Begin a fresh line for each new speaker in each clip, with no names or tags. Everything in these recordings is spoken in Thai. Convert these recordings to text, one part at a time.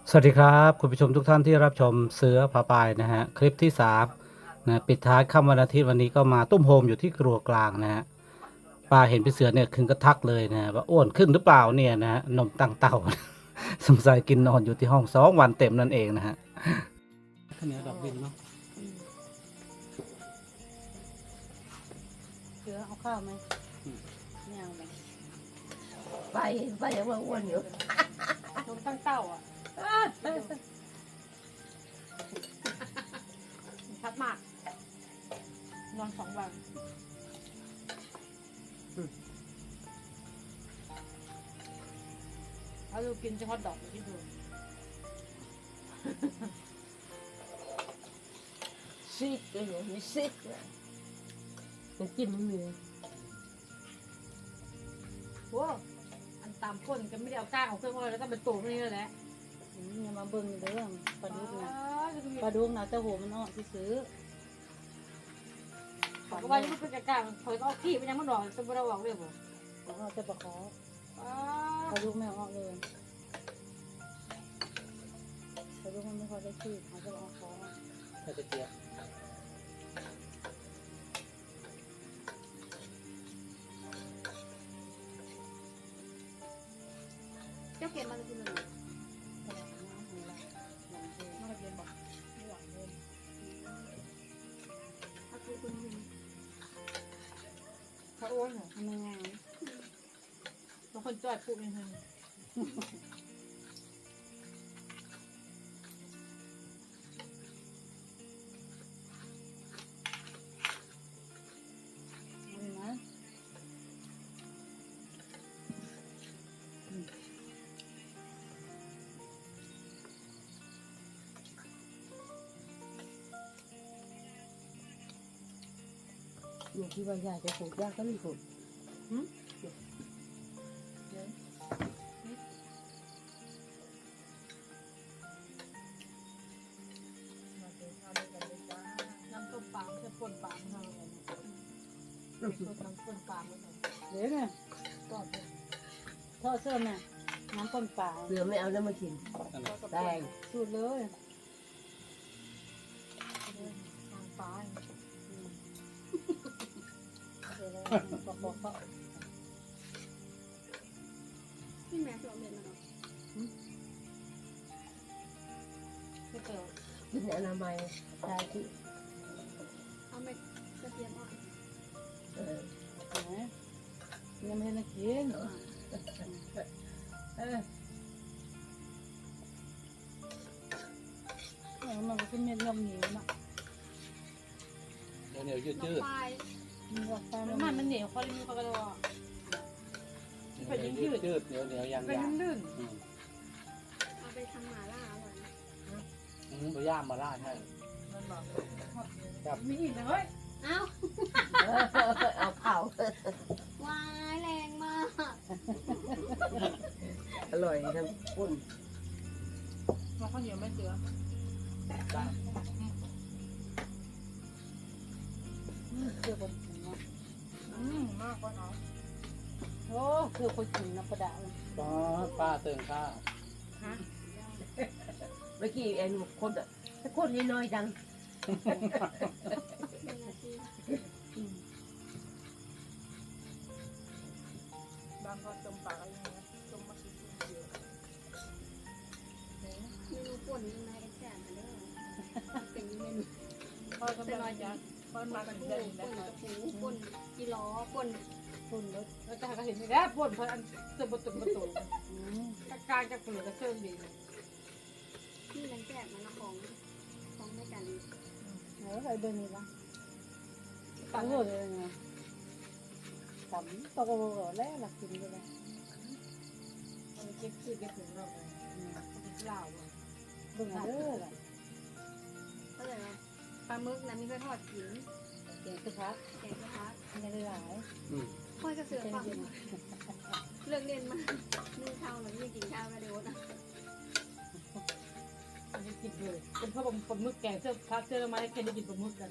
สวัสดีครับคุณผู้ชมทุกท่านที่รับชมเสือผาปายนะฮะคลิปที่3นะปิดท้ายค่ำวันอาทิตย์วันนี้ก็มาตุ้มโฮมอยู่ที่ครัวกลางนะฮะป้าเห็นพี่เสือเนี่ยคึงก็ทักเลยนะฮะว่าอ้วนขึ้นหรือเปล่าเนี่ยนะฮะนมตั้งเต่า สงสัยกินนอนอยู่ที่ห้อง2 วันเต็มนั่นเองนะฮะข้าวเหนียวดอกดินเนาะ
เสือเอาข้าวไหมไม่เอาไหม
ไปยังว่าอ้วนอยู่
นมตั้งเต้าอ่ะชัดมากนอน2 วันเอาดูกินเฉพาะดอกที่ดู
ซิกเลยหนูมีซิกเลยมันกินไม่มี
โว้อันตามก้นก็ไม่ได้เอาก้างของเครื่องเลยแล้วก็เป็นตัวนี่แหละ
อย่ามาเบิ่งเด้อปลาดุกนะปลาดุกนะแต่หัวมันอ่อนที่ซื้อ
เขาก็ว่ายังไม่เป็นก้างเขาก็เอาขี้ไปยังมันดอกจะไม่ได้บอกเลยบ่
แล้วก็จะปลาขอ
อ๋อ
ปลาดุกไม่อ่อนเลยปลาดุกมันไม่ค่อยได้ขี้เขาจะเอาขอ
ถ้าจะเจียบ
เจ้าเก็บมันจะกินอะไร
ตลาดน้ำของเราหลังเดิน
มันจะกินบอก
หลังเดิน
ถ้าคือคุณเขาอ้วนเหรอ
ทำยังไง
บางคนจ่อยพูดไม่ทัน
นี่นะ
อยู่ที่ว่ายากจะปลูกยากก็ไม่ปลูก
น้ำต้มปลาไม่ใช่ป่นปลาเท่าไหร่น้ำต้มปลาไม่ใช่
เดี๋ยวเนี่ย
ก็เป็น
ทอดเสื้อแม่น้ำต้นปลา
เสือไม่เอาแล้วมากินแดง
สูตรเลย
ทางปลา
เดี๋ยวเลยบอกเขา
ที่แม่ที่เราเรียนมาเนาะไม่เจอ
กินอนามัยได้ที่
เอาไม่กระเทียมอ่อน
เออ
ไหนยังไม่ได้กิน
เออ
มันก็เป็นเม็ดยำเหนียวนะ
เหนียวยืด
น้ำปลาย
มันก็ไป
น้ำมันมันเหนียวเขาเลยมีเขากระโดด เป็นยืด
ยืดเหนียวเหนียวยาง
เป็น
ยาง
ลื่น
เอาไปทำหม่าล่าอร่อยนะ
ไปย่างมาล่าใช่
มันบอก
ครับ
มีอีกนะเฮ้ย
เอ้า
เอาเผาว
ายแรงมาก
อร่อยทั้งปุ้น
มาข้าวเหนียวไม่เจือ
เคือคนกินนะ
มากกว่าเขา
โอ้คือคนกินนะประดา
ป้าเติมข้าว
ฮะ
เมื่อกี้ไอ้หนุ่มคนอ่ะถ้าคนน้อยๆจัง
บางคนต้มปลาอะไรเงี้ยต้มมะเขือเทศ
เมนูป่นยังไงแซ่บมาเด้อเป็นเมนู
พอจะมาจากพอมา
ป่
กัน
น
เดือน
ก
แล้ว
ระปูป่นกิโลป่น
คุณรถ
แล้วจะเห็นแล้วป่นเพราะอันเติมประตู
อืม
กลางจากเปลือกกระเซิงดี
นี่นังแซ่บมันของด้วยกัน
ใครเดินนี่ละตั้งเลยไงตำตะโกโร่แล้วหลักกินไปเลย
มันเก็บคือเก็บถึงเราเลยเหล้า
เบิ่งเด้อล่ะ
ก็เลยว่าปลาหมึกนะมีเพื่อทอดกิน
เก่งคือพัก
แกงกระทะ
มันยังได้หลาย
ค่อยกระเสือ
เก่ง
ฟัง
จริง
เลิกเรียนมานึ่งข้าวหรือไม่กินข้าวก็เดี๋ยวนะ
อันนี้กินเลยเป็นเพราะผมปลาหมึกแกงเสื้อพักเสื้อไม้แค่ได้กินปลาหมึกกัน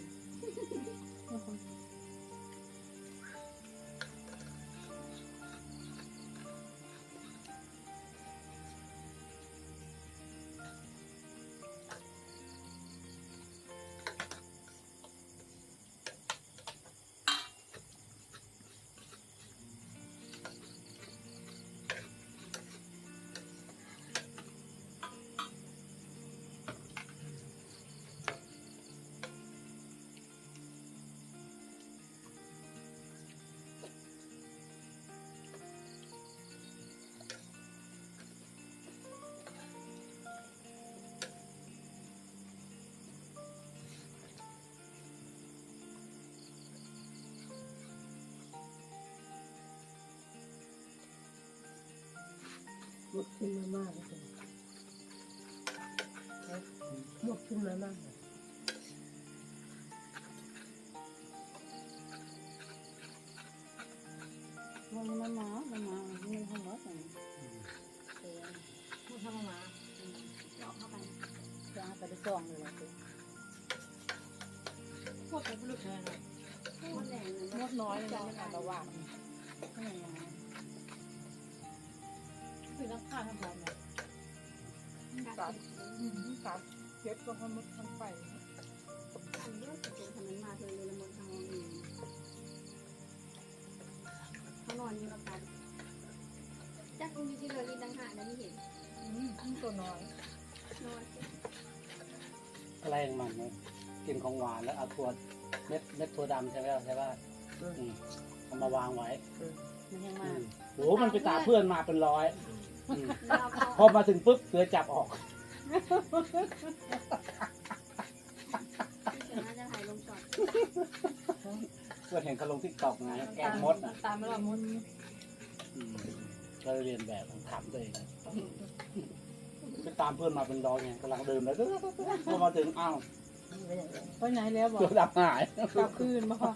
หมดขึ้นมามากเลยหมดขึ้นมามากเลย
มันมามันทำรถอย่างนี้
พูดทำมาเจาะเข้าไป
จะไปได้ซ่องเลยสิ
พูดไปพูดเลยนะ
หมดแรงเลย
มดน้อยเลยนะ
ระหว่างนี่ไง
คือต้องฆ่าทำแบบไหน
กัดเก็บก็ทำมดทำไป
อันนี้ก็เป็นทำนั้นมาเลยละมดทางนี้เขานอนอยู่กับกันจักมีที่เลยกินดังหาแล้วไม่เห็น
ตัวน้อย
นอน
อะไรของมันเนี่ยกินของหวานแล้วเอาถั่วเม็ดถั่วดำใช่ไหมใช่ป่ะเอามาวางไว้
มันยัง
อื
มาม
โหมันไปตามเพื่อนมาเป็นร้อยอืม
เราเขา
พอมาถึงปุ๊บเสือจับออก
ที่เสือน่าจะถ่ายลงจอด
เพื่อนเห็นเขาลงทิกตอกไงแกงมดอ่ะ
ตามไม่รอดมด
อืมก็เลยเรียนแบบถามตัวเองไปตามเพื่อนมาเป็นร้อยไงกำลังเดินแล้วพอมาถึงอ้าว
ไปไหนแล้วบอก
เสือดำหาย
กลับคืนมาค่ะ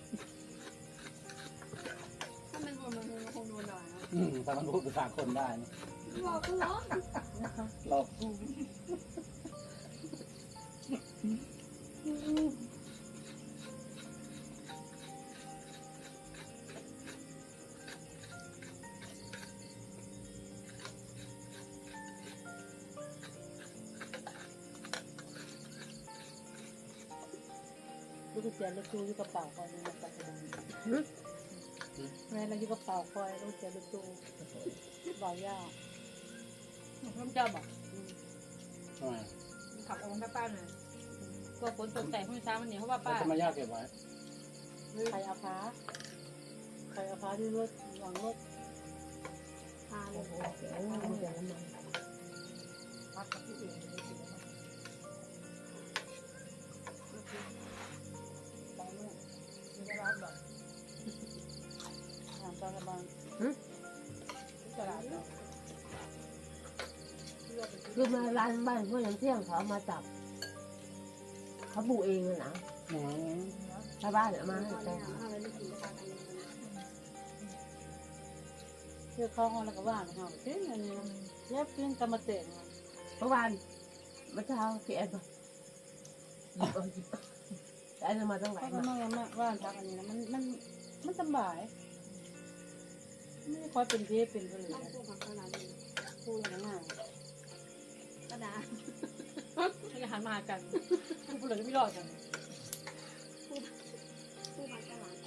ถ้าเป็นคนมันคงโดนด่าเนาะ
ถ้ามันพูดภาษาคนได้นะ
บอกกูเหรอ
เรา
ลูกกุญแจลูกตู้อยู่กระเป๋าคอยในปัจจุบันแม่เราอยู่กระเป๋าคอยลูกกุญแจลูกตู้บ่าวยาก
น้ำเจ้าบอก
ทำไม
ขับออกมาป้าหน่อยก็ฝนตกแต่พรุ่งนี้เช้ามันเหนียวเพราะว่า
แล้ว
ป้า
จะมายากเก็บไว้
ใครเอาพ้าที่รถหลังรถ
พาเลย
มันจะน้ำมัน
พักกับที่อื่นไปกินแล้วไปนู่นมีตลาดแบบทางตลาดบางตลาดเรา
คือมาร้านบ้านพวกยังเที่ยงเขามาจับเขาปลูกเองเลยนะ
อืม
ชาวบ้านเอามาให้
พอ
แต่
แล้วเอาอะไรไม่กินก็พากันเลย
เชื่อเข้าห้องแล้วก็ว่างเขาเต้นอันนี้เย็บเต้นกรรมเตะ
เมื่อวานเมื่อเช้าพี่แอนบอกแต่แอนเอามาตั้งหลา
เขา
ย
ก็
มา
มาว่านพักอันนี้นะมันสบายไม่ได้คอยเป็นเทปเป็นอะไร
ต้องพูดกับเขาหลายเลย
พูดอะไรง่าย
กระดาษ
ให้หันมาหากันพูดเลยไม่รอดกัน
พูดกับตลาด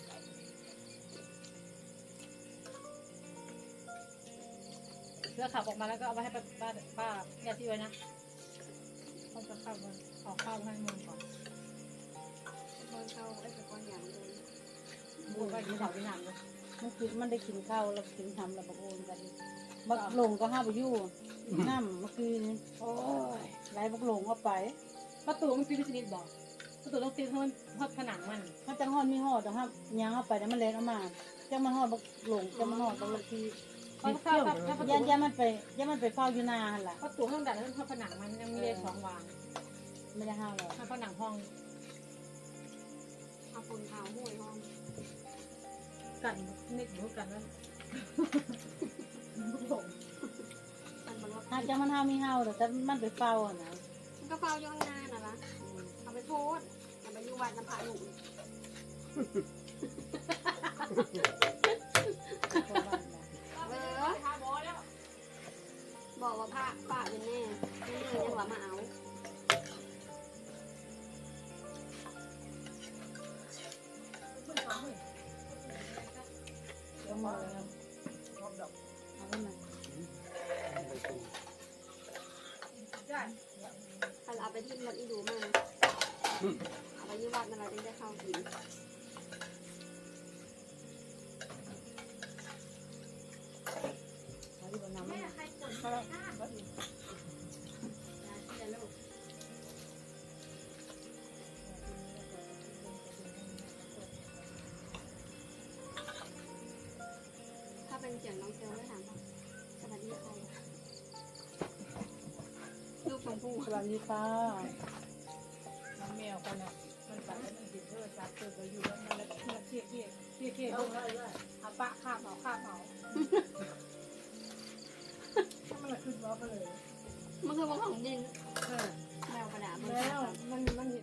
เพื่อขับออกมาแล้วก็เอาไปให้ป้าแยกที่ไว้นะเขาจะเข้ามาออกข้าวให้มึงก่อน
บอลเขาไอ้ตะกอนอย่างเลย
พูดไปกินข้าวกินน้ำเลย
มันได้กินข้าวแล้วกินทำแล้วบักโอนกันบักหลงก็ห้าไปยู่น้ำเมื่อคืน
โอ้ย
ไล่บักหลงเอาไป
ประตูมันตีพินิจบอกประตูต้องตีเพราะผนังมัน
ถ้าจังหอดมีหอดนะครับยางเอาไปแล้วมันเล็ดออกมาจังมันหอดบักหลงจังมันหอดบักละที
เพราะถ้าประตู
ย่ามันไปเฝ้าอยู่นาหันล่ะ
ประตูห้องดัดแล้วเพราะผนังมันยังมีเลย2 วาง
ไม่ได้ห้าวหรอก
ถ้าผนังห้อง
เอาคนเท้าห้วยห้อง
กันนิดเดียวกันแล้ว
มันบอกว่า
หากจังมันห้าวมีห้าวแต่มันไปเฝ้าอ่ะนะ
มันก็เฝ้าย่องหน้าน่ะละเอาไปโทษอย่าไปอยู่วัดน้ำพระหนุ่ม
เข้าบ้านมา
บอกว่าพระป้าเป็นแน่นี่เลยยังว่ามาเอา
เอามาแล้วเอาไปมา
ถ้าเอาไปที่วัดอีดูมาเอาไปที่วัดนั่นแหละจึงได้เข้ากิน
เอาที่บนน้ำมัน
ยาที่ละลูกถ้าเป็นเสียงน้องเซลล์ได้ถามว่าสวัสดีใคร
วัสดีค่ะ
น้องแมวกันนะมันไปแล้วมันติดโทรศัพท์เปิดไปอยู่แล้วมันแล้วเครียดลงเอาปะข้ามเอาถ้ามันละขึ้นว่าไปเลย
มันคือว่าของดิน